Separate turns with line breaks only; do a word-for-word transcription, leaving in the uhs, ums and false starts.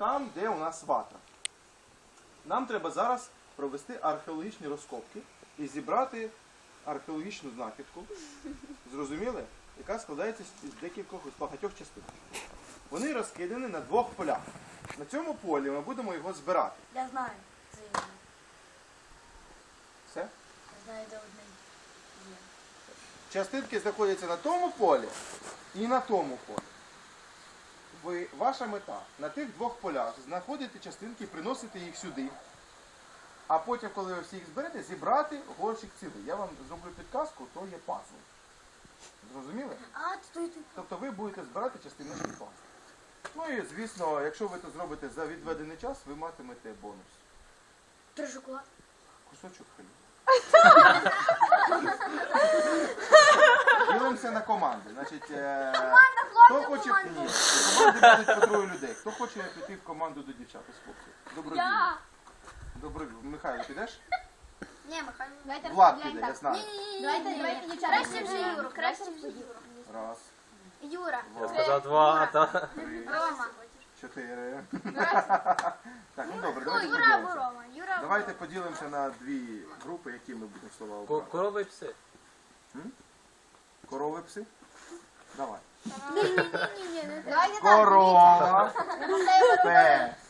там, де у нас вата. Нам треба зараз провести археологічні розкопки і зібрати археологічну знахідку, зрозуміли? Яка складається з декількох, з багатьох частин. Вони розкидані на двох полях. На цьому полі ми будемо його збирати.
Я знаю. Це я знаю.
Все?
Я знаю, де одне є.
Частинки знаходяться на тому полі і на тому полі. Ви, ваша мета на тих двох полях знаходити частинки, приносити їх сюди. А потім, коли ви всі їх зберете, зібрати горщик цілий. Я вам зроблю підказку, то є пазл. Зрозуміли?
А, стой, ти.
Тобто ви будете збирати частиночки пазл. Ну і, звісно, якщо ви це зробите за відведений час, ви матимете бонус.
Три шоколад.
Кусочок хліба. Ділимося на команди. Значить, е... хто хоче ні, команди будуть по троє людей. Хто хоче піти в команду до дівчат, із хлопців? Добродію.
Я.
Добродію. Михайло, підеш?
Ні, Михайло. Давайте
Влад піде, я знаю.
Давайте, давайте, дівчата. Краще вже Юру, краще вже Юру.
Раз,
Юра.
Я сказав два, та.
три,
Рома.
чотири. Так, ну добре,
Ну,
давайте
Юра або
поділимося.
Рома. Юра або
Давайте
Рома.
поділимося на дві групи, які ми будемо слова
Ко-
обрати.
Корови і пси.
Корови, пси? Давай.
Ні-ні-ні, не так.
Корова, пес.